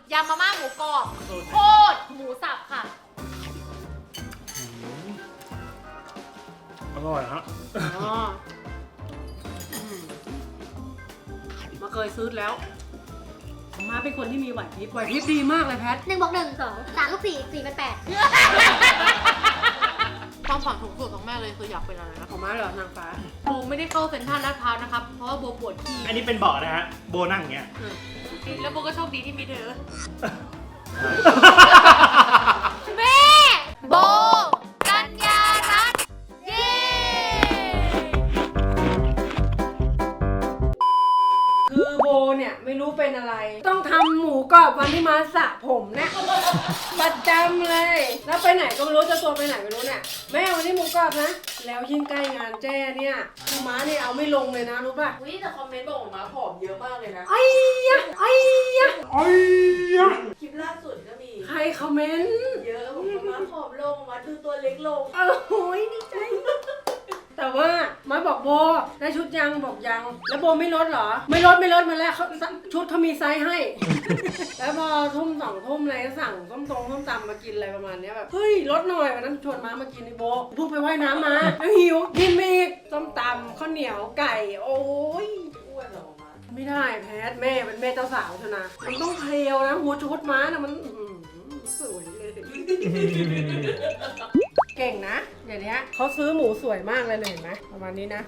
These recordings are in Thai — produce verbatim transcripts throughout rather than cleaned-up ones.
ยำมาม่าหมูกรอบโคตรหมูสับค่ะอร่อยฮะอ๋อมาเคยซื้อแล้วมาเป็นคนที่มีไหวพริบไหวพริบดีมากเลยแพทหนึ่งบวกหนึ่งสองสามบวกสี่สี่เป็นแปดความฝันสูงสุดของแม่เลยคืออยากเป็นอะไรนะของมาเหรอนางฟ้าโบไม่ได้เข้าเซ็นทรัลลาดพร้าวนะครับเพราะว่าโบปวดขี้อันนี้เป็นเบาะนะฮะโบนั่งอย่างเงี้ยแล้วโบก็โชคดีที่มีเธอแม่ โบกัญญารัตน์เย้คือโบเนี่ยไม่รู้เป็นอะไรต้องทำหมูกรอบวันที่มาสระผมเนี่ยประจำเลยแล้วไปไหนก็ไม่รู้จะตัวไปไหนไม่รู้เนี่ยแม่วันนี้หมูกรอบนะแล้วยิ่งใกล้งานแจ้เนี่ยคือม้าเนี่ยเอาไม่ลงเลยนะรู้ป่ะวิแต่คอมเมนต์บอกว่าม้าผอมเยอะมากเลยนะไอ้ยะไอ้ยะไอ้ยะคลิปล่าสุดก็มีใครคอมเมนต์เยอะบอกว่าม้าผอมลงม้าดูตัวเล็กลงโอ้ยดีใจแต่ว่ามาบอกโบได้ชุดยังบอกยังแล้วโบไม่ลดเหรอไม่ลดไม่ลดมาแล้วเขาชุดเขามีไซส์ให้ แล้วพอทุ่มสองทุ่มอะไรก็สั่งส้มตรงส้มตำมากินอะไรประมาณนี้แบบเฮ้ยลดหน่อยวันนั้นชวนมามากินในโบเพิ่งไปว่ายน้ำมาแล้วหิวกินอีกส้มตำข้าวเหนียวไก่โอ้ยอ้วนเหรอมาไม่ได้แพทแม่เป็นแม่เจ้าสาวเถอะนะมันต้องเพลียวนะหัวชุดม้านะมันสวยเลยเก่งนะอย่างนี้เขาซื้อหมูสวยมากเลยเห็นไหมประมาณนี้นะ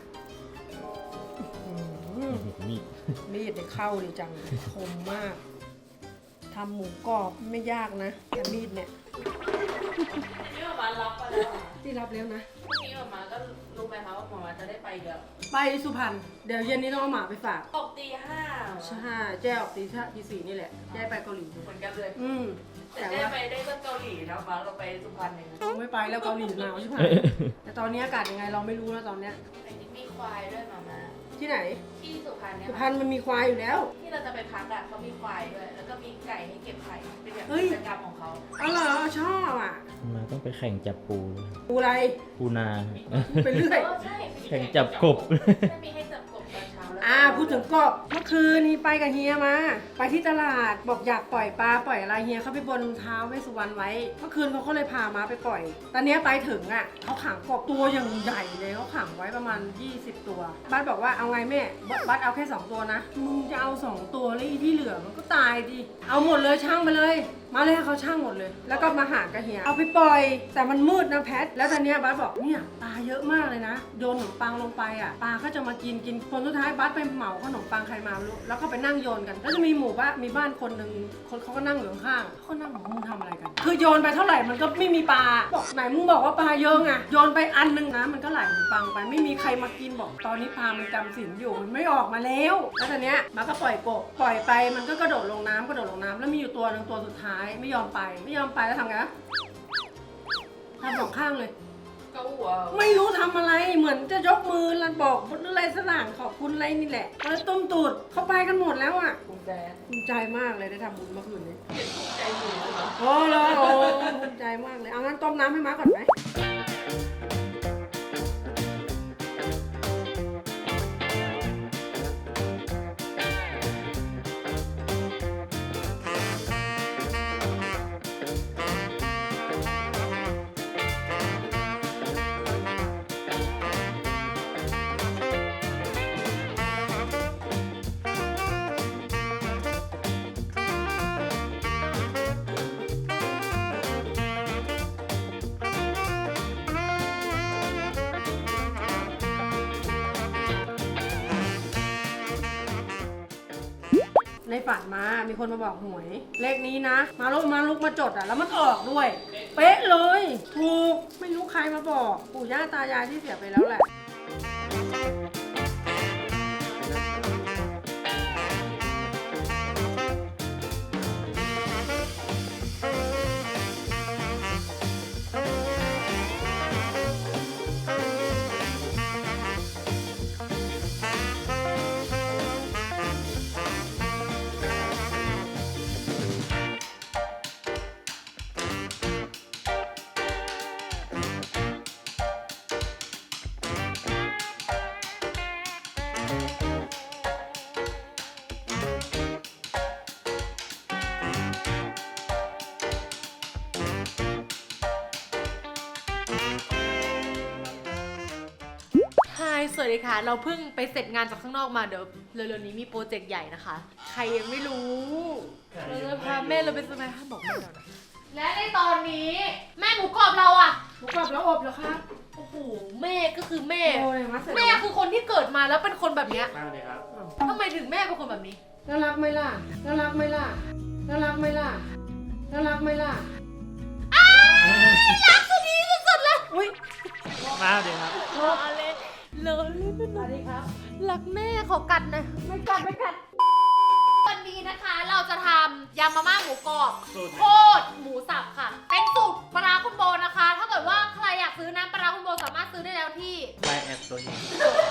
มีดมีดเนี่ยเข้าดีจังคมมากทำหมูกรอบไม่ยากนะแต่มีดเนี่ยนี่มารับไปแล้วที่รับแล้วนะนี่มาก็รู้ไหมคะว่าหมอจะได้ไปเดี๋ยวไปสุพรรณเดี๋ยวเย็นนี้ต้องเอาหมาไปฝากออกตีห้าใช่แจ้ออกตีห้าตีสี่นี่แหละแจ้ไปเกาหลีเหมือนกันเลยอืมแต่ได้ไปได้ก็เกาหลีนะมาเราไปสุพรรณเองไม่ไปแล้วเกาหลีหนาวใช่ไหมแต่ตอนนี้อากาศยังไงเราไม่รู้แล้วตอนเนี้ยมีควายด้วยมามาที่ไหนที่สุพรรณเนี่ยสุพรรณมันมีควายอยู่แล้วที่เราจะไปพักอ่ะเขามีควายด้วยแล้วก็มีไก่ให้เก็บไข่เป็นแบบกิจกรรมของเขาอ๋อเหรอชอบอ่ะมาต้องไปแข่งจับปูปูอะไรปูนาไปเรื่อยแข่งจับกบมีให้จับกบตอนเช้าแล้วอ่าพูดถึงกบเมื่อคืนนี้ไปกับเฮียมาไปที่ตลาดบอกอยากปล่อยปลาปล่อยอะไรเฮียเขาไปบนเท้าเวสสุวรรณไว้เมื่อคืนเขาก็เลยพามาไปปล่อยตอนนี้ไปถึงอ่ะเขาขังกบตัวอย่างใหญ่เลยเขาขังไว้ประมาณยี่สิบตัวบ้านบอกว่าเอาไงแม่บัสเอาแค่สองตัวนะมึงจะเอาสองตัวแล้วอีที่เหลือมันก็ตายดิเอาหมดเลยช่างไปเลยมาเลยให้เขาช่างหมดเลยแล้วก็มาหากระเฮียเอาไปปล่อยแต่มันมืดนะแพทแล้วตอนนี้บัสบอกเนี่ยปลาเยอะมากเลยนะโยนขนมปังลงไปอ่ะปลาก็จะมากินกินคนสุดท้ายบัสไปเหมาขนมปังใครมาไม่รู้แล้วก็ไปนั่งโยนกันแล้วจะมีหมู่บ้านมีบ้านคนหนึ่งคนเขาก็นั่งอยู่ข้างเขาก็นั่งบอกมึงทำอะไรกันคือโยนไปเท่าไหร่มันก็ไม่มีปลาบอกไหนมึงบอกว่าปลาเยอะไงโยนไปอันนึงนะมันก็ไหลขนมปังไปไม่มีใครมากินบอกตอนนี้ปลามันจำศีลอยู่มันไม่ออกมาแล้วแล้วตอนเนี้ยมันก็ปล่อยกบปล่อยไปมันก็กระโดดลงน้ำกระโดดลงน้ำแล้วมีอยู่ตัวนึงตัวสุดท้ายไม่ยอมไปไม่ยอมไปแล้วทำไงทำสองข้างเลยก็หัวไม่รู้ทำอะไรเหมือนจะยกมือแล้วบอกอะไรสักอย่างขอบคุณอะไรนี่แหละแล้วต้มตูดเขาไปกันหมดแล้วอ่ะภูมิใจภูมิใจมากเลยได้ทำบุญเมื่อคืนนี้ภูมิใจหนูเหรอโอ้โหภูมิใจมากเลยเอางั้นต้มน้ำให้ม้าก่อนไหมในฝันมามีคนมาบอกหวยเลขนี้นะมาลุกมาลุกมาจดอ่ะแล้วมันออกด้วยเป๊ะเลยถูกไม่รู้ใครมาบอกปู่ย่าตายายที่เสียไปแล้วแหละสวัสดีค่ะ เราเพิ่งไปเสร็จงานจากข้างนอกมาเดี๋ยวเร็วๆนี้มีโปรเจกต์ใหญ่นะคะ ใครยังไม่รู้เราจะพาแม่เราไปสมัยห้ามบอกแม่เรานะและในตอนนี้แม่หมูกรอบเราอะหมูกรอบแล้วอบเหรอคะโอ้โหแม่ก็คือแม่โอ้ยมาเสร็จแม่คือคนที่เกิดมาแล้วเป็นคนแบบเนี้ยมาเลยครับทำไมถึงแม่เป็นคนแบบนี้น่ารักไหมล่ะน่ารักไหมล่ะน่ารักไหมล่ะน่ารักไหมล่ะรักสุดที่สุดๆเลยอุ้ยมาเลยครับรอเลยเลยสวัสดีครับรักแม่ขอกัดหนะไม่กัดไม่กัดวันนี้นะคะเราจะทำยำมาม่าหมูกรอบสูตรโคตรหมูสับค่ะ เป็นสูตรปลาร้าคุณโบนะคะ ถ้าเกิดว่าใครอยากซื้อน้ำปลาร้าคุณโบสามารถซื้อได้แล้วที่ไลน์แอดตัวนี้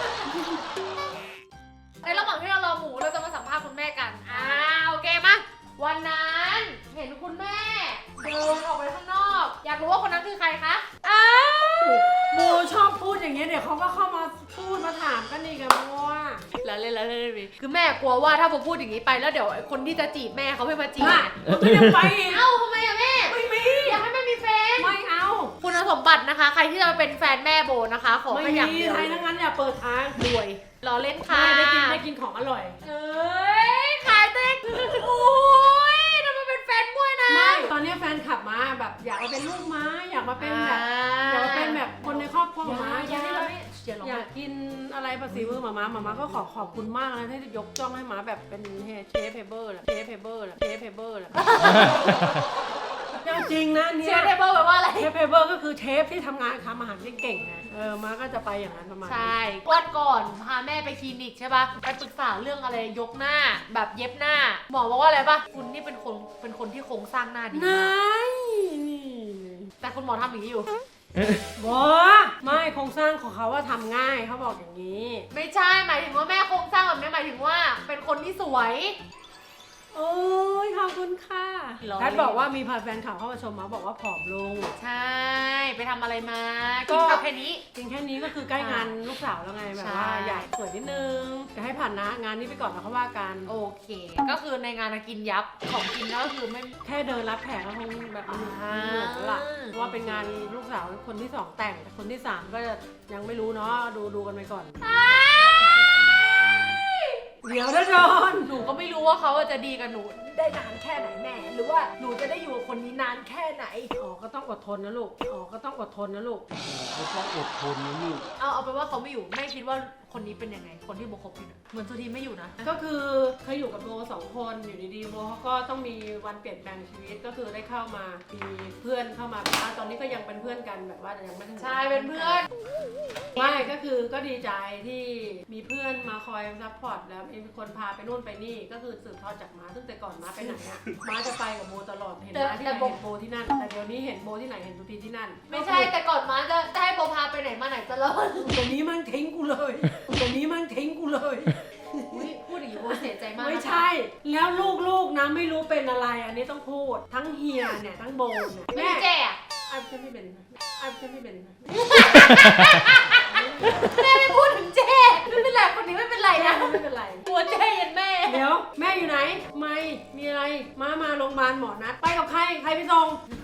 ในระหว่างที่เรารอหมูเราจะมาสัมภาษณ์คุณแม่กันอ่าโอเคมาวันนั้นเห็นคุณแม่เดินออกไปข้างนอก อยากรู้ว่าคนนั้นคือใครคะอ้าวโบชอบพูดอย่างเงี้ยเดี๋ยวเขาก็เข้ามาพูดมาถามกันอีกอะโบว่าแล้วเล่นแล้วเล่นเลยคือแม่กลัวว่าถ้าโบพูดอย่างนี้ไปแล้วเดี๋ยวคนที่จะจีบแม่เขาไม่มาจีบน่ะมันก็ยังไปอีกเอ้าทำไมอะแม่ไม่มีอยากให้แม่มีแฟนไม่เอาคุณสมบัตินะคะ ใครที่จะมาเป็นแฟนแม่โบนะคะ ขอไม่แค่อย่างมีเดียวใครทั้งนั้นอย่าเปิดทางรวยรอเล่นค่ะไม่ได้กินได้กินของอร่อยเอ้ยขายเต็กโอ้ยทำไมเป็นแฟนมวยนะไม่ตอนนี้แฟนขับมาแบบอยากมาเป็นลูกม้าอยากมาเป็นแบบอยากมาเป็นแบบคนในครอบครัวหมาอยากอย่าร้องอยากกินอะไรภาษีมือหมาม้าหมาม้าก็ขอขอบคุณมากนะที่ยกจ้องให้หมาแบบเป็นเชฟเพเบอร์แหละเชฟเพเบอร์แหละเชฟเพเบอร์แหละจริงนะเนี่เชยฟเทเบิลแปลว่าอะไรเชฟเพเบอร์ก็คือเชฟที่ทำงานทำอาหารเก่งๆไงเออมาก็จะไปอย่างนั้นประมาณนี้ใช่วันก่อนพาแม่ไปคลินิกใช่ปะไปปรึกษาเรื่องอะไรยกหน้าแบบเย็บหน้า หมอบอกว่าอะไรปะคุณนี่เป็นคนเป็นคนที่โครงสร้างหน้าดีนมากายนี่แต่คุณหมอทำอย่างนี้อยู่บอไม่โครงสร้างของเขาว่าทำง่ายเขาบอกอย่างนี้ไม่ใช่หมายถึงว่าแม่โครงสร้างแบบนี้หมายถึงว่าเป็นคนที่สวยโอ้ยขอบคุณค่ะร้อยแพทบอกว่ามีพาแฟนข่าวเข้ามาชมมาบอกว่าผอมลงใช่ไปทำอะไรมาก็กินข้าวแค่นี้จริงแค่นี้ก็คือใกล้งานลูกสาวแล้วไงแบบว่าใช่อยากสวยนิดนึงจะให้ผ่านนะงานนี้ไปก่อนแล้วเขาว่ากันโอเค ก็คือในงานกินยับของกินก็คือไม่แค่เดินรับแขกก็คงแบบมันอ่าเหนื่อยแล้วล่ะเพราะว่าเป็นงานลูกสาวคนที่สองแต่งแต่คนที่สามก็ยังไม่รู้เนาะดูดูกันไปก่อน เดี๋ยวนะจอนหนูก็ไม่รู้ว่าเขาจะดีกับหนูได้นานแค่ไหนแม่ หรือว่าหนูจะได้อยู่กับคนนี้นานแค่ไหนอ๋อก็ต้องอดทนนะลูกอ๋อก็ต้องอดทนนะลูกก็ต้องอดทนนะลูกเอาเอาไปนว่าเขาไม่อยู่แม่คิดว่าคนนี้เป็นยังไง คนที่โบคบอยู่นะเหมือนสุธีไม่อยู่นะก็คือเคยอยู่กับโบสองคนอยู่ดีๆโบเขาก็ต้องมีวันเปลี่ยนแปลงชีวิตก็คือได้เข้ามามีเพื่อนเข้ามาอ่ะตอนนี้ก็ยังเป็นเพื่อนกันแบบว่ายังไม่ได้ใช่เป็นเพื่อนไม่ก็คือก็ดีใจที่มีเพื่อนมาคอยซัพพอร์ตแล้วมีคนพาไปนู่นไปนี่ก็คือสืบทอดจากม้าซึ่งแต่ก่อนม้าไปไหนอะม้าจะไปกับโบตลอดเห็นม้าที่ไหนเห็นโบที่นั่นแต่เดี๋ยวนี้เห็นโบที่ไหนเห็นทุกทีที่นั่นไม่ใช่แต่ก่อนมาจะจะให้โบพาไปไหนมาไหนตลอดตัวนี้มันทิ้งกูเลยตัวนี้มันทิ้งกูเลยอุ๊ยพูดอย่างนี้โบเสียใจมากไม่นะคะใช่ แล้วลูกๆนะไม่รู้เป็นอะไร อันนี้ต้องพูด ทั้งเฮียเนี่ยทั้งโบเนี่ยไม่แม่มีแจ้อะอาจจะไม่เป็นอาจจะไม่เป็นแม่ไม่พูดถึงเจ้ไม่เป็นไรคนนี้ไม่เป็นไรนะไม่เป็นไรกลัวเจ้ยันแม่เดี๋ยวแม่อยู่ไหน ไม่มีอะไรมามาโรงพยาบาลหมอนัดไปกับใครใครไปส่ง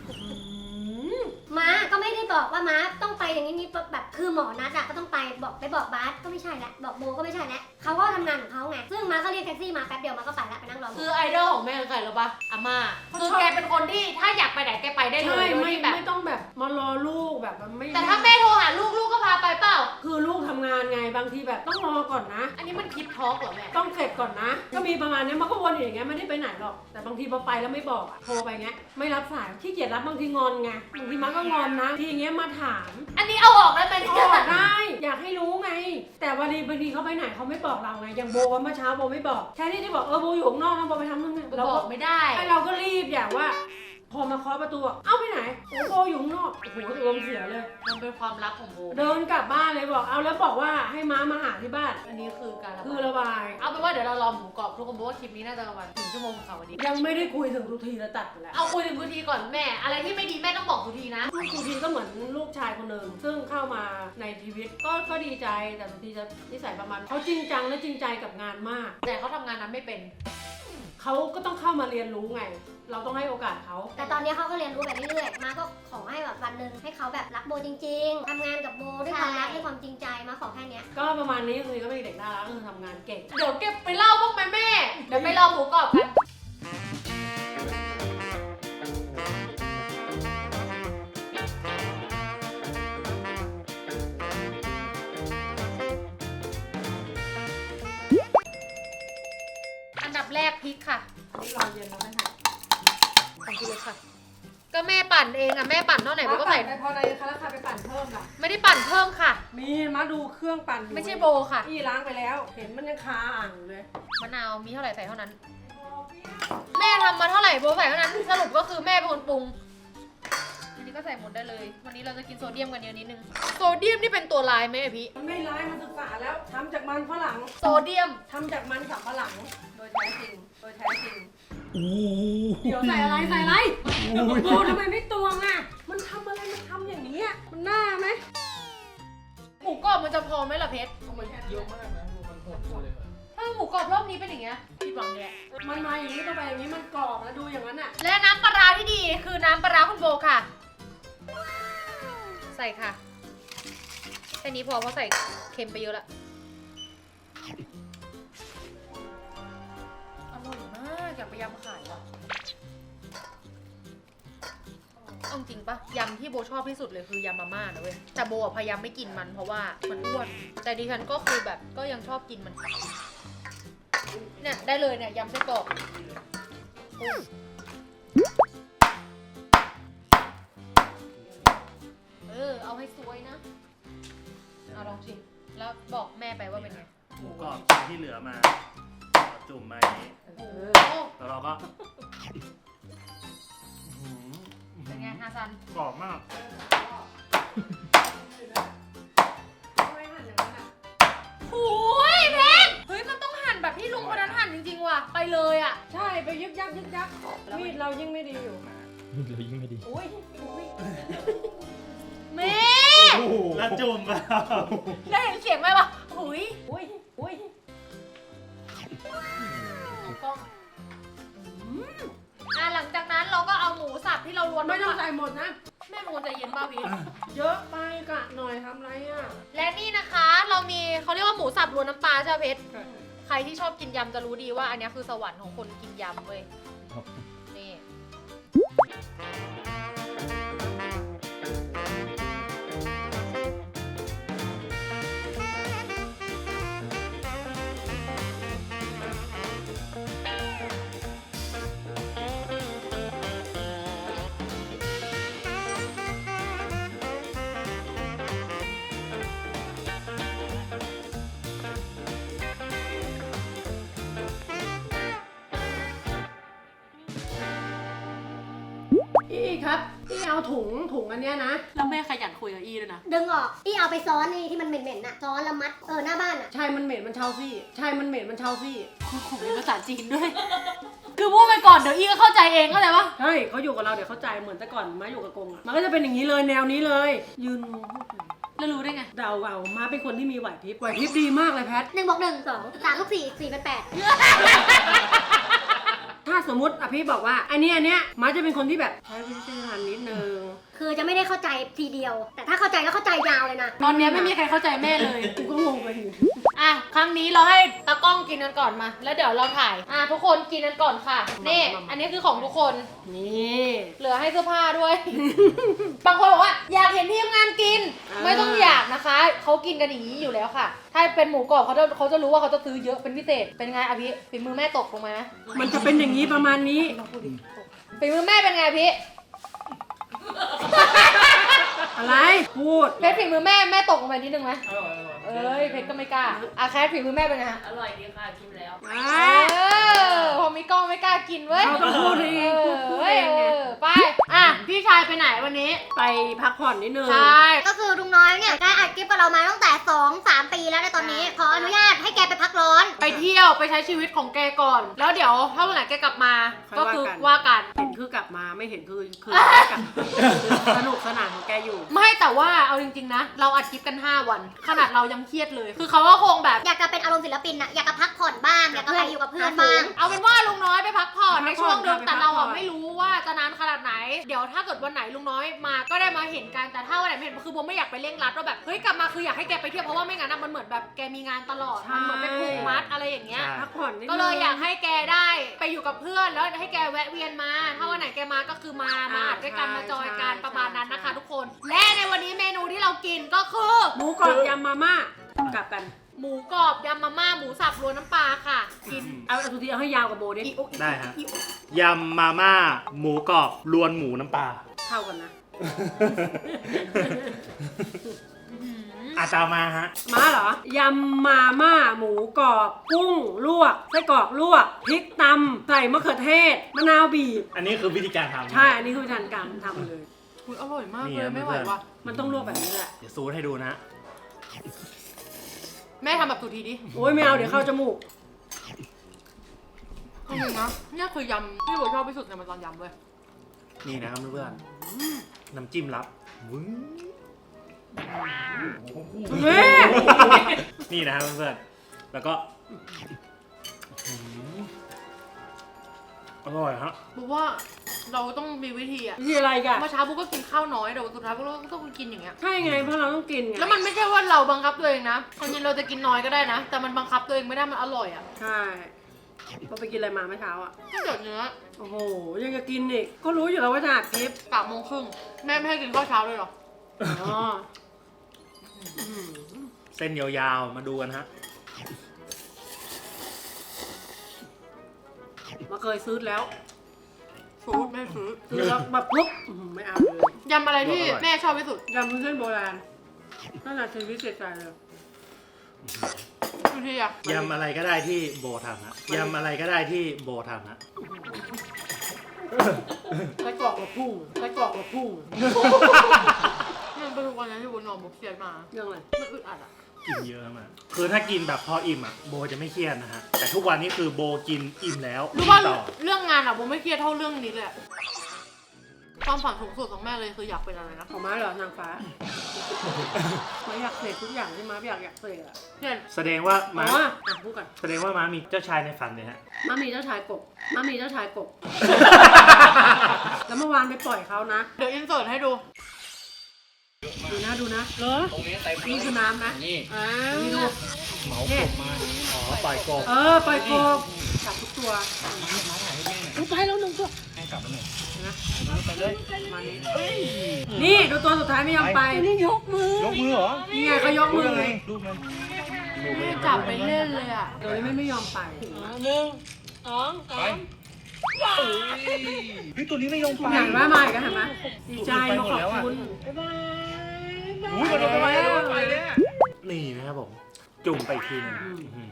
ม้าก็ไม่ได้บอกว่าม้าต้องไปอย่างนี้นี่แบบคือหมอนัดอะก็ต้องไปบอกไปบอกบาสก็ไม่ใช่แล้วบอกโบก็ไม่ใช่แล้วเขาก็ทำงานของเขาไงซึ่งม้าก็เรียกแท็กซี่มาแป๊บเดียวม้าก็ไปแล้วไปนั่งรอหมคือ อไอดอลของแม่คือใครรู้ปะอาม่าคือแกเป็นคนที่ถ้าอยากไปไหนแกไปได้เลใช่ยโดยไม่ที่แบบไม่ต้องแบบมารอลูกแบบมันไม่แต่ถ้าแม่โทรหาลูกลูกก็พาไปเปล่าคือลูกทำงานไงบางทีแบบต้องรอก่อนนะอันนี้มันคิดท็อกเหรอแม่ต้องเสร็จก่อนนะ ก็มีประมาณนี้มันก็วนอยู่อย่างเงี้ยไม่ได้ไปไหนหรอก แต่บางทีพอไปแล้วไม่บอกอะโทรไปเงี้ยไม่รับสายขี้เกียจรับบางทีงอนไงบางทีมันก็งอนนะทีเงี้ยมาถามอันนี้เอาออกได้ไหมอเนี่ยอกได้อยากให้รู้ไง แต่วันนี้บางทีเขาไปไหนเขาไม่บอกเราไงอย่างโบว่าเมื่อเช้าโบไม่บอกแค่ที่ที่บอกเออโบอยู่ข้างนอกนะโบไปทำนู่นนี่เราบอกไม่ได้ไอเราก็รีบอย่างว่า พอมาเคาะประตูอะเอ้าไปไหนโอ้โบอยู่ข้างนอกโอ้โหอารมณ์เสียเลยมันเป็นความลับของโบเดินกลับบ้านเลยบอกเอาแล้วบอกว่าให้ม้ามาหาที่บ้านอันนี้คือการระคืบาอย ระบายเอาเป็นว่าเดี๋ยวเรารอหมูกรอบทุกคนบอกว่าคลิปนี้น่าจะประมาณหนึ่งชั่วโมงค่ะวันนี้ยังไม่ได้คุยถึงทุกทีแล้วตัดไปแล้วเอาคุยถึงทุกทีก่อนแม่ อะไรที่ไม่ดีแม่ต้องบอกทุกทีนะลูกสุธีก็เหมือนลูกชายคนหนึ่งซึ่งเข้ามาในชีวิตก็ก็ดีใจแต่สุธีจะนิสัยประมาณเขาจริงจังและจริงใจกับงานมากแต่เขาทำงานนั้นไม่เป็นเเขาก็ต้องเข้ามาเรียนรู้ไง เราต้องให้โอกาสเขาแต่ตอนนี้เขาก็เรียนรู้ไปเรื่อยๆ มาก็ขอให้แบบวันหนึ่งให้เขาแบบรักโบจริงๆ ทำงานกับโบด้วยความรักด้วยความจริงใจมาขอแค่เนี้ยก็ประมาณนี้คือเขาเป็นเด็กน่ารักคือทำงานเก่งเดี๋ยวเก็บไปเล่าบ้างไหมแม่ เดี๋ยวไปรอหมูกรอบกัน อันดับแรกพริกค่ะนี่รอเย็นแล้วนะคะของพี่เล็กค่ะ ก็แม่ปั่นเองอะแม่ปั่นเท่าไหร่โบก็ใส่ไปพอในคาราคาไปปั่นเพิ่มล่ะไม่ได้ปั่นเพิ่มค่ะมีมาดูเครื่องปั่นอยู่ไม่ใช่โบค่ะพี่ล้างไปแล้ว เห็นมันยังคาอ่างอยู่เลยมะนาวมีเท่าไหร่ใส่เท่านั้น แม่ทำมาเท่าไหร่โบใส่เท่านั้น สรุปก็คือแม่เป็นคนปรุง อันนี้ก็ใส่หมดได้เลย วันนี้เราจะกินโซเดียมกันเยอะนิดนึง โซเดียมนี่เป็นตัวลายไหมอะพี่มันไม่ร้ายมันศึกษาแล้วทำจากมันฝรั่งโซเดียมทำจากมันสับฝรั่งโดยแท้จริงโดยแท้จริงอู้เดี๋ยวใส่อะไรใส่อะไรโอ้ทำไมไม่ตวงอ่ะ มันทำอะไรมันทำอย่างนี้อ่ะมันน่าไหมหมูกรอบมันจะพอไหมล่ะเพชรมันเยอะมากนะมันหดเลยถ้าหมูกรอบรอบนี้เป็นอย่างเงี้ยผิดหวังเลยอะมันมาอย่างนี้ต้องไปอย่างนี้มันกรอบนะดูอย่างนั้นอ่ะและน้ำปลาร้าที่ดีคือน้ำปลาร้าคุณโบค่ะ ใส่ค่ะ แค่นี้พอเพราะใส่เค็มไปเยอะละอร่อยมากอยากไปยำขายว่ะเอาจริงปะยำที่โบชอบที่สุดเลยคือยำมาม่านะเว้ยแต่โบอะพยายามไม่กินมันเพราะว่ามันอ้วนแต่ดิฉันก็คือแบบก็ยังชอบกินมันเนี่ยได้เลยเนี่ยยำไส้กรอกอุ้ยเออเอาให้สวยนะเอาลองชิมแล้วบอกแม่ไปว่าเป็นไงหมูกรอบที่เหลือมาจุ่มมาโอ้โหแล้วเราก็เป็นไงฮาซันกรอบมากโอ้ยเพชรเฮ้ยมันต้องหั่นแบบที่ลุงคนนั้นหั่นจริงๆว่ะไปเลยอ่ะใช่ไปยึกยักยึกยักมีดเรายิ่งไม่ดีอยู่เรายิ่งไม่ดีอุ้ยอุ้ยเมแล้วจุ่มไปได้เห็นเสียงไหมวะหุยอุ้ยอุ้ยกล้องอ่ะหลังจากนั้นเราก็เอาหมูสับที่เราล้วนไม่ต้องาใส่หมดนะแม่เป็นคนใจเย็นป่ะพี่เยอะไปกะหน่อยทำไรอ่ะและนี่นะคะเรามีเขาเรียกว่าหมูสับรวนน้ำปลาใช่ไหมเพชรใครที่ชอบกินยำจะรู้ดีว่าอันนี้คือสวรรค์ของคนกินยำเว้ยนี่อีครับอีเอาถุงถุงอันเนี้ยนะแล้วแม่ขยันคุยกับอีด้วยนะดึงออกที่เอาไปซ้อนนี่ที่มันเหม็นๆน่ะ ซ้อนแล้วมัด เออหน้าบ้านอ่ะใช่มันเหม็นมันเช่าซี่ใช่มันเหม็นมันเช่าซี่ผมมีภาษาจีนด้วย คือพูดไปก่อนเดี๋ยวอีก็เข้าใจเองเข้าใจปะใช่เขาอยู่กับเราเดี๋ยวเข้าใจเหมือนแต่ก่อนมาอยู่กับกงอ่ะมันก็จะเป็นอย่างนี้เลยแนวนี้เลย ยืนงงแล้วรู้ได้ไงเดาเอามาเป็นคนที่มีไหวพริบไหวพริบดีมากเลยแพทหนึ่งบวกหนึ่งสองสามลูกสี่สี่เป็นแปดถ้าสมมติอภิบอกว่าอันนี้อันเนี้ยมาจะเป็นคนที่แบบใช้วิจารณญาณนิดนึงคือจะไม่ได้เข้าใจทีเดียว แต่ถ้าเข้าใจแล้วเข้าใจยาวเลยนะตอนนี้ไม่มีใครเข้าใจแม่เลยกูก็งงไปอยู่อ่ะ ครั้งนี้เราให้ตากล้องกินกันก่อนมา แล้วเดี๋ยวเราถ่าย อ่ะ ทุกคนกินกันก่อนค่ะ นี่ อันนี้คือของทุกคนนี่เหลือให้เสื้อผ้าด้วย บางคนบอกว่าอยากเห็นทีมงานกิน ไม่ต้องอยากนะคะ เขากินกันอย่างนี้อยู่แล้วค่ะ ถ้าเป็นหมูกรอบเขาจะเขาจะรู้ว่าเขาจะซื้อเยอะเป็นพิเศษ เป็นไงอภิฝีมือแม่ตกลงมานะมันจะเป็นอย่างนี้ประมาณนี้ฝีมือแม่เป็นไงพี่อะไรพูดเพชรฝีมือแม่แม่ตกลงไปนิดนึงไหมเอ้ยเพชรก็ไม่กล้าอ่ะแคทฝีมือแม่เป็นไงฮะอร่อยดีค่ะกินแล้วเออพอมีกล้องไม่กล้ากินเว้ยเราต้องพูดเองพูดพูดเองไงเออไปอ่ะพี่ชายไปไหนวันนี้ไปพักผ่อนนิดนึงใช่ก็คือลุงน้อยเนี่ยได้อัดคลิปกับเรามาตั้งแต่สองสามปีแล้วในตอนนี้ ขออนุญาตให้แกไปพักร้อนไปเที่ยวไปใช้ชีวิตของแกก่อน แล้วเดี๋ยวถ้าวันไหนแกกลับมาค่อยก็ว่าคือกันว่ากันเห็นคือกลับบมาไม่เห็นคือคือกับสนุกสนานของแกอยู่ไม่แต่ว่าเอาจริงๆนะ เราอัดคลิปกัน ห้า วัน ขนาดเรายังเครียดเลย คือเขาก็คงแบบอยากจะเป็นอารมณ์ศิลปินอะอยากจะพักผ่อนบ้าง อยากจะไปอยู่กับเพื่อนบ้างเอาเป็นว่าลุงน้อยไปพักผ่อนไปในพักผ่อนช่วงหนึงไปพักแต่เราผ่ออะนไม่รู้ว่าจะนานขนาดไหน เดี๋ยวถ้าเกิดวันไหนลุงน้อยมาก็ได้มาเห็นกันแต่ถ้าวันไหนไม่เห็นคือโบไม่อยากไปเร่งรัดว่าแบบเฮ้ยกลับมาคืออยากให้แกไปเที่ยวเพราะว่าไม่งั้นอะมันเหมือนแบบแกมีงานตลอดมันเหมือนเป็นผูกมัดอะไรอย่างเงี้ยใช่พักผ่อนนิดนึงก็เลยอยากให้แกได้ไปอยู่กับเพื่อนแล้วให้แกแวะเวียนมา ถ้าวันไหนแกมาก็คือมามาอัดด้วยกันมาจอยกันประมาณนั้นนะคะทุกคน และในวันนี้เมนูที่เรากินก็คือหมูกรอบยำมาม่ากลับกันหมูกรอบยำมาม่าหมูสับรวนน้ำปลาค่ะ กินเอาเอาสุธีเอาให้ยาวกับโบดิอีโออีได้ฮะ ยำมาม่าหมูกรอบรวนหมูน้ำปลาเท่ากันนะอาตามมาฮะม้าเหรอยำมาม่าหมูกรอบกุ้งลวกไส้กรอกลวกพริกตำใส่มะเขือเทศมะนาวบีบอันนี้คือวิธีการทำใช่อันนี้คือวิธีการทำเลยอุ๊ยอร่อยมากนี่เลยนะไม่ไหวเพื่อนว่ะมันต้องลวกแบบนี้แหละเดี๋ยวซูดให้ดูนะแม่ทำแบบสุทีดิโอ้ยไม่เอาเดี๋ยวเข้าจมูกจริงๆนะเนี่ยคือยำที่โบชอบที่สุดในมันตอนยำเลยนี่นะครับเพื่อนๆน้ำจิ้มลับวึ้งเฮ้ยนี่นะครับเพื่อนๆแล้วก็อื้อหืออร่อยฮะบอกว่าเราต้องมีวิธีอะวิธีอะไรกันเมื่อเช้าบุ๊กก็กินข้าวน้อยแต่วันสุดท้ายบุ๊กก็ต้องกินอย่างเงี้ยใช่ไงเพราะเราต้องกินไงแล้วมันไม่ใช่ว่าเราบังคับตัวเองนะคนยินเราจะกินน้อยก็ได้นะ แต่มันบังคับตัวเองไม่ได้มันอร่อยอะใช่เราไปกินอะไรมาเมื่อเช้าอ่ะถ้าเกิดเนื้อโอ้โหยังจะกินอีกก็รู้อยู่แล้วว่าจะอัดคลิปสามโมงครึ่งแม่ไม่ให้กินข้าวเช้าเลยเหรออ๋ออืมเส้นยาวๆมาดูกันฮะมาเคยซื้อแล้วซื้อไม่ซื้อซื้อแล้วแบบปุ๊บอื้อหือไม่เอาเลยยำอะไรที่แม่ชอบที่สุดยำวุ้นเส้นโบราณนั่นแหละชีวิตเสียใจเลยทุกทีอะยำอะไรก็ได้ที่โบทำฮะยำอะไรก็ได้ที่โบทำฮะไส้กรอกกับพุ่งไส้กรอกกับพุ่งมันเป็นวันนั้นที่บุญนอนบุกเครียดมาเรื่องอะไรมันอึดอัดอะกินเยอะมากคือถ้ากินแบบพออิ่มอ่ะโบจะไม่เครียดนะฮะแต่ทุกวันนี้คือโบกินอิ่มแล้วรู้ว่ากินต่อเรื่องงานอะบุไม่เครียดเท่าเรื่องนี้เลยอะความฝันสูงสุดของแม่เลยคืออยากเป็นอะไรนะของม้าเหรอนางฟ้าม้าอยากเสกทุกอย่างที่ม้าอยากอยากเสกอะเช่นแสดงว่าอ๋ม้าออ่ะพูดก่อนแสดงว่าม้ามีเจ้าชายในฝันเลยฮะม้ามีเจ้าชายกบม้ามีเจ้าชายกบ แล้วเมื่อวานไปปล่อยเขานะเดี๋ยวอินเสิร์ตให้ดูดูนะดูนะเหรอนี่คือน้ำนะนี่อ่านี่ดูเหมากบมาอ๋อปล่อยกบเออปล่อยกบจับทุกตัวดูไปแล้วหนึ่งตัวให้กลับมาหน่อยนะไปเลยมานี้นี่ดูตัวสุดท้ายไม่ยอมไปนี่ยกมือยกมือเหรอนี่ไงเขายกมือรูปมันไม่จับไปเล่นเลยอะตัวนี้ไม่ไม่ยอมไปเฮ้ยตัวนี้ไม่ลงไปเห็นว่ามาอีกแล้วเห็นไหมดีใจมาขอบคุณอุ้ยมันลงไปแล้วไปแล้วนี่นะครับผม จุ่มไปอีกทีหนึงอื้อหือ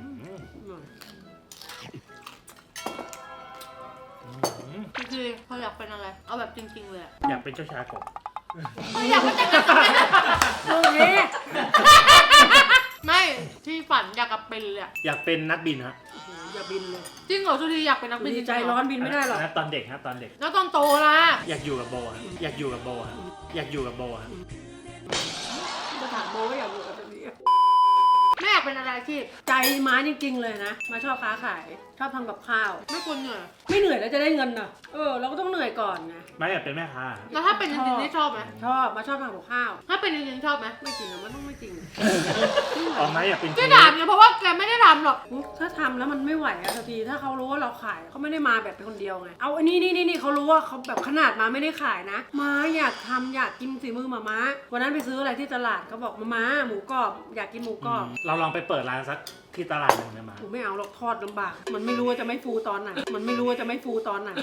คือคือเขาอยากเป็นอะไร เอาแบบจริงๆเลยอะอยากเป็นเจ้าชายกบเขาอยากเป็นแต่งงานกับแม่ลูกนี้ไม่ที่ฝันอยากกลับเป็นเลยอะอยากเป็นนักบินฮะอย่าบินเลยจริงเหรอทุกทีอยากเป็นนักบินดีงๆใจเหร้อนบินไม่ได้หรอกนะตอนเด็กฮะตอนเด็กแล้วตอนโตล่ะอยากอยู่กับโบฮะอยากอยู่กับโบฮะอยากอยู่กับโบฮะจะถามโบก็อยากอยู่กับตัวนี้แม่อยากเป็นอะไรอาชีพใจม้าจริงๆเลยนะมาชอบค้าขายชอบทำกับข้าวไม่ควรเหนื่อยไม่เหนื่อยแล้วจะได้เงินน่ะเออเราก็ต้องเหนื่อยก่อนไงไม่อยากเป็นแม่ค้าฮะแล้วถ้าเป็นจริงๆนี่ชอบไหมชอบมาชอบทำกับข้าวถ้าเป็นจริงๆชอบไหมไม่จริงอะมันต้องไม่จริงออกไหมอยากเป็นเชก็ฟถามเนี่ยเพราะว่าแกไม่ได้ทำหรอกถ้าทำแล้วมันไม่ไหวอะสักทีถ้าเขารู้ว่าเราขายเขาไม่ได้มาแบบเป็นคนเดียวไงเอาอันนี้นี่นี่นี่เขารู้ว่าเขาแบบขนาดมาไม่ได้ขายนะมาอยากทำอยากกินฝีมือมาม้าวันนั้นไปซื้ออะไรที่ตลาดเขาบอกมาม้าหมูกรอบอยากกินหมูกรอบเราลองไปเปิดร้านสักที่ตลาดหนึ่งนะมากูไม่เอาหรอกทอดลำบาก มันไม่รู้ว่าจะไม่ฟูตอนไหน มันไม่รู้ว่าจะไม่ฟูตอนไหน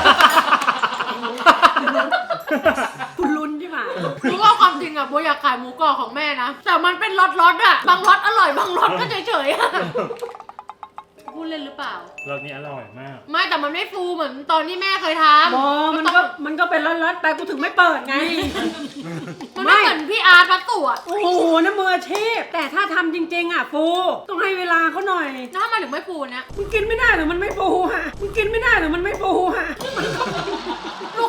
คุณลุ้นใช่ไหมรู้ว่าความจริงอะโบอยากขายหมูกรอบของแม่นะ แต่มันเป็นล็อตๆอะบางล็อตอร่อยบางล็อตก็เฉยๆอะพูดเล่นหรือเปล่ารสนี้อร่อยมากไม่แต่มันไม่ฟูเหมือนตอนที่แม่เคยทำบอมันก็มันก็เป็นร้อนๆไปกูถึงไม่เปิดไงมันไม่เหมือนพี่อาร์ตพัตตุอะโอ้โหน้ำมืออาชีพแต่ถ้าทำจริงๆอ่ะฟูต้องให้เวลาเขาหน่อยแล้วทำไมถึงไม่ฟูเนี่ยมึงกินไม่ได้หรือมันไม่ฟูฮะมึงกินไม่ได้หรือมันไม่ฟูฮะรู้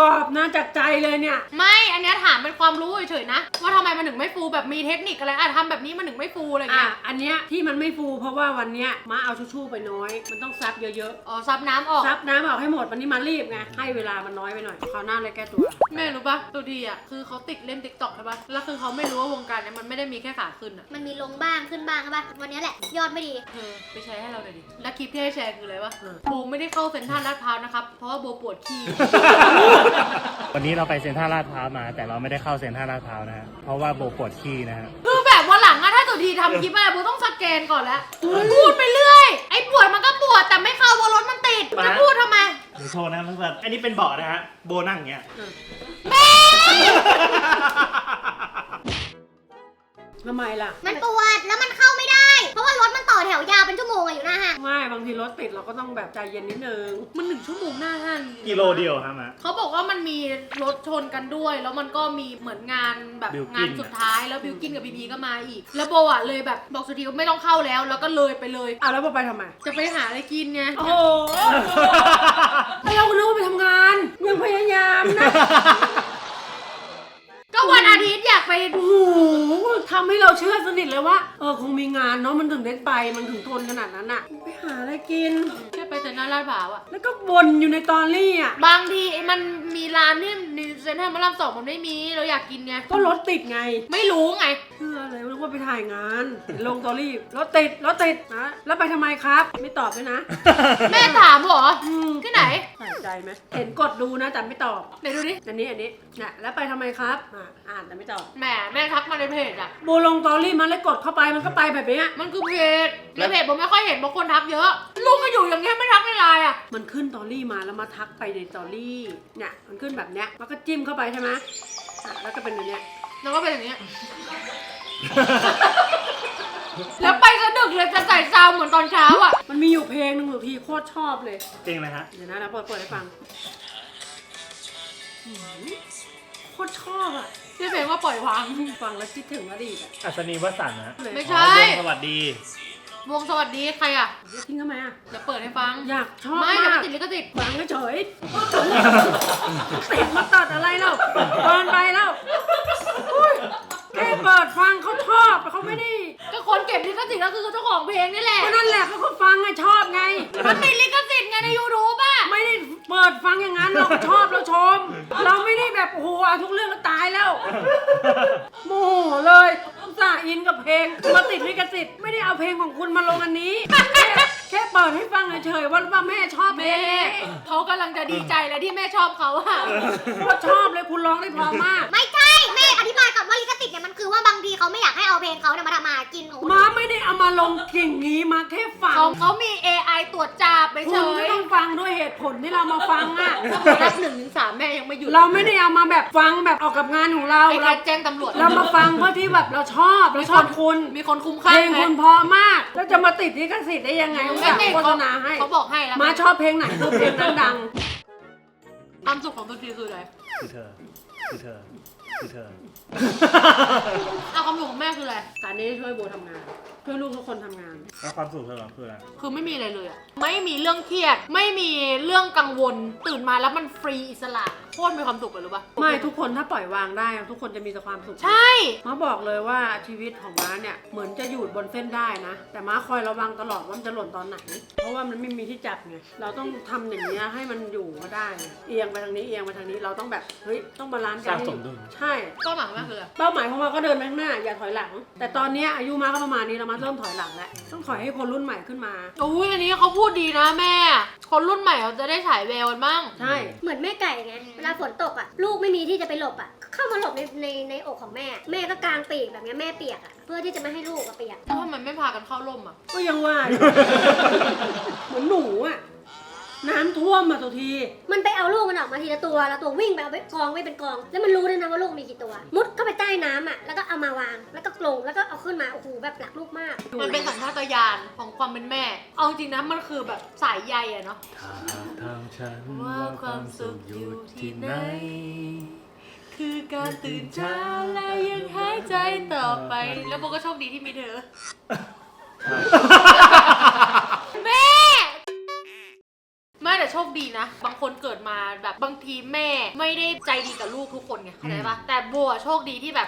อบนะจากใจเลยเนี่ยไม่ อันเนี้ยถามเป็นความรู้เฉยๆนะ ว่าทำไมมันถึงไม่ฟูแบบมีเทคนิคอะไรอ่ะทำแบบนี้มันถึงไม่ฟูอะไรอ่ะเงี้ยอันเนี้ยที่มันไม่ฟูเพราะว่าวันเนี้ยม้าเอาชู่ๆไปน้อย มันต้องซับเยอะอ๋อซับน้ำออกๆซับน้ำออกให้หมดวันนี้มารีบไงให้เวลามันน้อยไปหน่อยคราวหน้าเลยแก้ตัวแม่รู้ปะตัวทีอ่ะคือเขาติดเล่นติ๊กต็อกใช่ปะแล้วคือเขาไม่รู้ว่าวงการเนี้ยมันไม่ได้มีแค่ขาขึ้นอ่ะมันมีลงบ้างขึ้นบ้างใช่ปะวันนี้แหละยอดไม่ดีเธอไปแชร์ให้เราหน่อยดิ แล้วคลิปที่ให้แชร์คืออะไรวะเออโบไม่ได้เข้าเซ็นทรัลลาดพร้าวนะครับ เพราะว่าโบปวดขี้วันนี้เราไปเซ็นทรัลลาดพร้าวมา แต่เราไม่ได้เข้าเซ็นทรัลลาดพร้าวนะฮะเพราะว่าโบปวดขี้นะฮะคือแบบวันหลังอะถ้าตัวทีทำคลิปอะไรโบต้องสแกนก่อนแล้ว พูดไปเรื่อย ไอ้ปวดมันก็ปวดแต่ไม่เข้าเพราะรถมันติด จะพูดทำไมเดี๋ยวโชว์นะเพื่อนๆอันนี้เป็นเบาะนะฮะ โบนั่งอย่างเงี้ยทำไมล่ะมันปวดแล้วมันเข้าไม่ได้ เพราะว่ารถมันต่อแถวยาวเป็นชั่วโมงอะอยู่หน้าห้างไม่บางทีรถติดเราก็ต้องแบบใจเย็นนิดนึงมันหนึ่งชั่วโมงหน้าห้างกิโลเดียวครับมะเขาบอกว่ามันมีรถชนกันด้วย แล้วมันก็มีเหมือนงานแบบบิลกิ้นงานสุดท้ายแล้วบิวกินกับบีบีก็มาอีก แล้วโบอะเลยแบบบอกสุธีว่าไม่ต้องเข้าแล้ว แล้วก็เลยไปเลยอ่ะแล้วเราไปทำไมจะไปหาอะไรกินไงโอ้โหเราก็นึกว่าไปทำงาน ยังพยายามนะก็วันอาทิตย์อยากไปโอ้โหทำให้เราเชื่อสนิทเลยว่า เออคงมีงานเนาะมันถึงได้ไปมันถึงทนขนาดนั้นอะไปหาอะไรกินแค่ไปแต่หน้าลาดพร้าวอะแล้วก็บ่นอยู่ในตอรี่อะบางทีมันมีร้านที่ในเซ็นทรัลพระรามสองมันไม่มีเราอยากกินไงก็รถติดไงไม่รู้ไงเชื่อเลยนึกว่าไปถ่ายงานเห็นลงตอรี่รถติดรถติดนะแล้วไปทำไมครับ ไม่ตอบด้วยนะแม่ถามเหรออืมที่ไหนใส่ใจไหมเห็นกดดูนะแต่ไม่ตอบไหนดูดิอันนี้อันนี้เนี่ยแล้วไปทำไมครับอ่ะอ่านแต่ไม่ตอบแหมแม่ทักมาในเพจอะโบลงตอรี่มันแล้วกดเข้าไปมันก็ไปแบบเนี้ยมันคือเพจในเพจผมไม่ค่อยเห็นบางคนทักเยอะ ลูกก็อยู่อย่างเงี้ยไม่ทักในไลน์อะมันขึ้นตอรี่มาแล้วมาทักไปในตอรี่เนี่ยมันขึ้นแบบเนี้ยแล้วก็จิ้มเข้าไปใช่ไหมอ่ะแล้วก็เป็นอย่างเนี้ยแล้วก็เป็นอย่างเงี้ย แล้วไปสะดึกเลยจะใส่ซาวเหมือนตอนเช้าอะมันมีอยู่เพลงหนึ่งหนูทีโคตรชอบเลยจริงเลยฮะเดี๋ยวนะเราเปิดเปิดให้ฟังหืมโคตรชอบอ่ะที่เพลงว่าปล่อยวางฟังแล้วคิดถึงอดีตอ่ะอัศนีวสันต์นะเลยไม่อ๋ใช่อวงสวัสดีวงสวัสดีใครอะจะทิ้งทำไมอ่ะเดี๋ยวเปิดให้ฟังอยากชอบไม่เดี๋ยวมามักนติดลิขสิทธิ์ฟังเฉยๆติดมาตัดอะไรแล้วเปิดไปแล้วอุ้ยแค่เปิดฟังเขาชอบเขาไม่ได้ก็คนเก็บลิขสิทธิ์ก็คือเจ้าของเพลงนี่แหละก็นั่นแหละเขาก็ฟังไงชอบไงมันติดลิขสิทธิ์ไงในยูทูบอะไม่ได้เปิดฟังอย่างนั้นเราก็ชอบเราชม เราไม่ได้แบบโอ้โหเอาทุกเรื่องก็ตายแล้วโมโหเลยอุตส่าห์อินกับเพลงมาติดลิขสิทธิ์ไม่ได้เอาเพลงของคุณมาลงอันนี้ แค่แค่เปิดให้ฟังเฉยๆว่าว่าแม่ชอบเพลแม่งนี้เขากำลังจะดีใจแล้วที่แม่ชอบเขาอะโคตรชอบเลยคุณร้องได้เพราะมากไม่ใช่แม่อธิบายก่อนว่าลิขสิทธิ์เนี่ยมันคือว่าบางทีเขาไม่อยากให้เอาเพลงเขาเนี่ยมาทำมาหากินของคนม้าอื่นไม่ได้เอามาลงอย่างนี้มาแค่ฟังเขาเขามี เอ ไอ ตรวจจับไปเฉคุณก็ยต้องฟังด้วยเหตุผลที่เรามาฟังอ่ะถ้าผมนับหนึ่งถึงสามแม่ยังไม่หยุดเราไม่ได้เอามาแบบฟังแบบออกกับงานของเราไอ้เราการแจ้งตำรวจเรามาฟังเพื่อที่แบบเราชอบเราชอบคุณมีคนคุ้มเพค่าลงคุณเพราะมาก แล้วจะมาติดลิขสิทธิ์ได้ยังไงอุตไม่ส่าห์ติดโฆษณาให้เขาบอกให้แล้วมาชอบเพลงไหนคือเพลงนั้นดังความสุขของตัวทีคืออะไรคือเธอ คือเธอ คือเธอเอาความสุขของแม่คืออะไรการนี้ช่วยโบทำงานช่วยลูกทุกคนทำงานแล้วความสุขเธอเหรอคืออะไรคือไม่มีอะไรเลยอะไม่มีเรื่องเครียด ไม่มีเรื่องกังวล ตื่นมาแล้วมันฟรีอิสระโคตรมีความสุขเลยรู้ปะไม่ทุกคนถ้าปล่อยวางได้ทุกคนจะมีแต่ความสุขใช่ม้าบอกเลยว่าชีวิตของม้าเนี่ยเหมือนจะอยู่บนเส้นได้นะ แต่ม้าคอยระวังตลอดว่ามันจะหล่นตอนไหน เพราะว่ามันไม่มีที่จับไงเราต้องทำอย่างนี้ยให้มันอยู่ก็ได้ เอียงไปทางนี้เอียงไปทางนี้เราต้องแบบเฮ้ยต้องบาลานซ์กันสร้างให้สมดุลใช่ก็หมายว่าคืออะไรเป้าหมายของเราก็เดินไปข้างหน้าอย่าถอยหลัง แต่ตอนเนี้ยอายุม้าก็ประมาณนี้เรามาเริ่มถอยหลังแล้วต้องถอยให้คนรุ่นใหม่ขึ้นมาโอ้ยอันนี้เขาพูดดีนะแม่ คนรุ่นใหม่เขาจะได้ฉายแววกันบ้างใช่เหมือนแม่ไก่ไงเวลาฝนตกอ่ะลูกไม่มีที่จะไปหลบอ่ะเข้ามาหลบในในในอกของแม่ แม่ก็กางปีกแบบเนี้ยแม่เปียกอ่ะเพื่อที่จะไม่ให้ลูกอะเปียกแล้วทำไมไม่พากันเข้าร่มอ่ะก็ยังว่าอยู่ เหมือนหนูอะน้ำท่วมมาตัวทีมันไปเอาลูกมันออกมาทีละตัวแล้วตัววิ่งไปเอาไปกองไว้เป็นกอง แล้วมันรู้ด้วยนะว่าลูกมีกี่ตัว มุดเข้าไปใต้น้ำอ่ะแล้วก็เอามาวางแล้วก็ลงแล้วก็เอาขึ้นมาโอ้โหแบบหลักลูกมากมันเป็นสัญชาตญาณของความเป็นแม่ เอาจริงนะมันคือแบบสายใยอะเนาะทางฉันว่าความสุขอยู่ที่ไหน คือการตื่นเช้าและยังหายใจต่อไป แล้วโบก็โชคดีที่มีเธอ แม่ ไม่แต่โชคดีนะ บางคนเกิดมาแบบบางทีแม่ไม่ได้ใจดีกับลูกทุกคนไงเข้าใจปะแต่โบอะโชคดีที่แบบ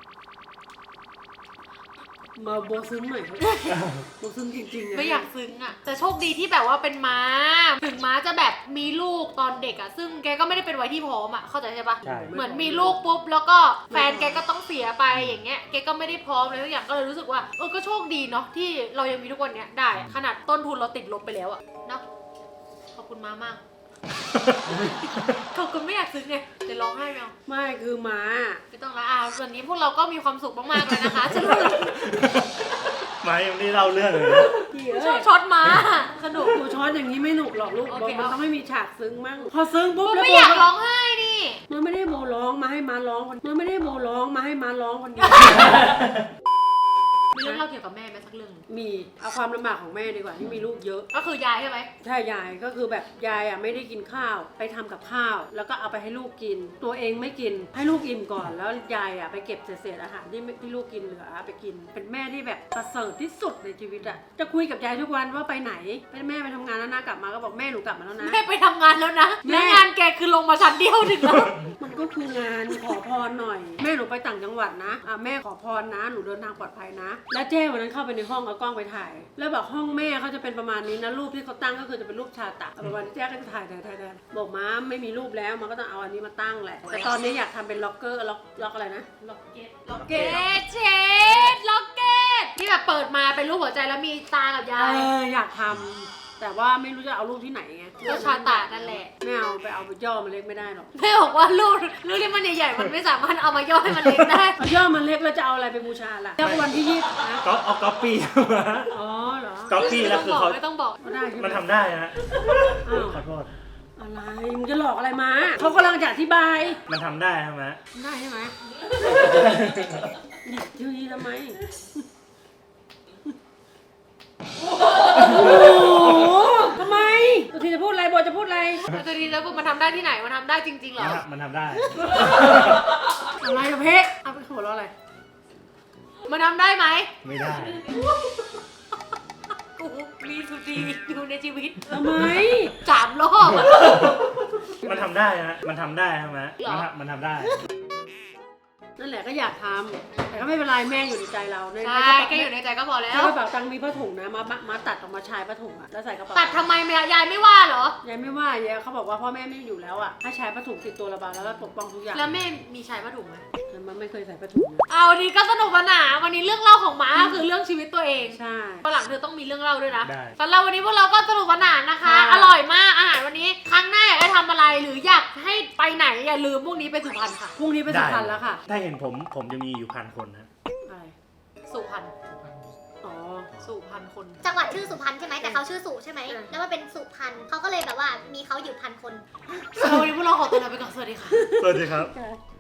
มาโบซึ้งหน่อยครับโบซึ้งจริงๆนะไม่อยากซึ้งอะแต่โชคดีที่แบบว่าเป็นม้า ถึงม้าจะแบบมีลูกตอนเด็กอะซึ่งแกก็ไม่ได้เป็นวัยที่พร้อมอะเข้าใจใช่ปะใช่เหมือนมีลูกปุ๊บแล้วก็แฟนแกก็ต้องเสียไปอย่างเงี้ยแกก็ไม่ได้พร้อมเลยทุกอย่างก็เลยรู้สึกว่าเออก็โชคดีเนาะที่เรายังมีทุกวันเนี้ยได้อะขนาดต้นทุนเราติดลบไปแล้วอะเนาะขอบคุณม้ามาก ขอบคุณไม่อยากซึ้งไงจะร้องไห้ไหมเอาไม่คือม้าไม่ต้องละอ่ะวันนี้พวกเราก็มีความสุขมากๆเลยนะคะฉันมายังไม่ได้เล่าเรื่องเลยนะพี่ชเอ้อบยช็อตม้าสนุกกูช้อนอย่างนี้ไม่หนุกหรอกลูกโอโบเคมันเอาต้องไม่มีฉากซึ้งมั่งพอซึ้งปุ๊บกูแล้วไม่โบอยากก็ร้องไห้ดิมันไม่ได้โบร้องมาให้ม้าร้องคนมันไม่ได้โบร้องมาให้ม้าร้องคนเดียวมีเรื่องเล่าเกี่ยวกับแม่ไหมสักเรื่องมีเอาความลำบากของแม่ดีกว่าที่มีลูกเยอะก็คือยายใช่ไหมใช่ยายก็คือแบบยายอ่ะไม่ได้กินข้าวไปทำกับข้าว แล้วก็เอาไปให้ลูกกิน ตัวเองไม่กินให้ลูกอิ่มก่อนแล้วยายอ่ะไปเก็บเศษๆอาหารที่ที่ลูกกินเหลือไปกิน เป็นแม่ที่แบบประเสริฐที่สุดในชีวิตอ่ะจะคุยกับยายทุกวันว่าไปไหนเป็นแม่ไปทำงานแล้วนะกลับมาก็บอกแม่หนูกลับมาแล้วนะแม่ไปทำงานแล้วนะแม่แล้วงานแกคือลงมาชั้นเดียวถึงแล้วมันก็คืองานขอพรหน่อย แม่หนูไปต่างจังหวัดนะอ่ะแม่ขอพรนะหนูเดินทางปลอดภัยนะ แล้วเจ้วันนั้นเข้าไปในห้องเอากล้องไปถ่าย แล้วบอกห้องแม่เขาจะเป็นประมาณนี้นะรูปที่เขาตั้งก็คือจะเป็นรูปชาตะประมาณนี้เจ้ก็จะถ่ายถ่ายถ่ายถ่ายบอกม้าไม่มีรูปแล้วมันก็ต้องเอาอันนี้มาตั้งแหละแต่ตอนนี้อยากทำเป็นล็อกเกอร์ล็อกล็อกอะไรนะล็อกเก็ตล็อกเก็ตเชดล็อกเก็ตที่แบบเปิดมาเป็นรูปหัวใจแล้วมีตากับยาเอย ออยากทำแต่ว่าไม่รู้จะเอารูปที่ไหนไงก็ชาตานั่นแหละไม่เอาไปเอาไปย่อมันเล็กไม่ได้หรอกแม่บอกว่ารูปรูปที่มันใหญ่ๆมันไม่สามารถเอามาย่อให้มันเล็กได้เอาย่อมันเล็กแล้วจะเอาอะไรไปบูชาล่ะแล้ววันที่ยี่สิบนะก็เอาก๊อปปี้มาอ๋อเหรอก๊อปปี้แล้วคือเขาไม่ต้องบอกก็ได้ใช่ไหมมันทำได้ฮะอ้าวขอโทษอะไรมึงจะหลอกอะไรมาเขากำลังจะอธิบายมันทำได้ใช่ไหมได้ใช่ไหมหยิบทีนี้ทำไม โอ้โหทำไมตัวทีจะพูดอะไรโบจะพูดอะไรแล้วตัวนี้แล้วมันทำได้ที่ไหนมันทำได้จริงๆเหรอมันทำได้อะไรอะเพะเอาไปหัวเราะอะไรมันทำได้ไหมไม่ได้กูมีสุดีอยู่ในชีวิตทำไมสามรอบอะมันทำได้ฮะ มันทำได้ใช่ไหมเหรอมันทำมันทำได้นั่นแหละก็อยากทำแต่ก็ไม่เป็นไรแม่อยู่ในใจเราในใช่แค่อยู่ในใจก็พอแล้ในวกระเป๋าตังค์มีผ้าถุงนะมามามาตัดออกมาชายผ้าถุงอะแล้วใส่กระเป๋าตัดทำไมแม่ยายไม่ว่าเหรอยายไม่ว่ายายเขาบอกว่าพ่อแม่ไม่อยู่แล้วอะให้ชายผ้าถุงติดตัวระบายแล้วก็ปกป้องทุกอย่างแล้วแม่มีชายผ้าถุงไหมแต่มันไม่เคยใส่ผ้าถุงนะเอาดีก็สนุกสนานวันนี้เรื่องเล่าของม้าคือเรื่องชีวิตตัวเองใช่วันหลังเธอต้องมีเรื่องเล่าด้วยนะได้สำหรับวันนี้พวกเราก็สนุกสนานนะคะค่ะอร่อยมากอาหารวันนี้ ครั้งหน้าอยากให้ทำอะไรหรืออยากให้ไปไหนอย่าลืมพวกนี้ไปสุพรรณค่ะพรุ่งนี้ไปสุพรรณแล้วค่ะถ้าเห็นผม ผมจะมีอยู่พันคนนะอะไรสุพรรณอ๋อสุพรรณคนจังหวัดชื่อสุพรรณใช่ไหมแต่เขาชื่อสุใช่ไหมเออแล้วมันเป็นสุพรรณเขาก็เลยแบบว่ามีเขาอยู่พันคนสำหรับวันนี้พวกเราขอตัวลาไปก่อนสวัสดีค่ะสวัสดีครับใช่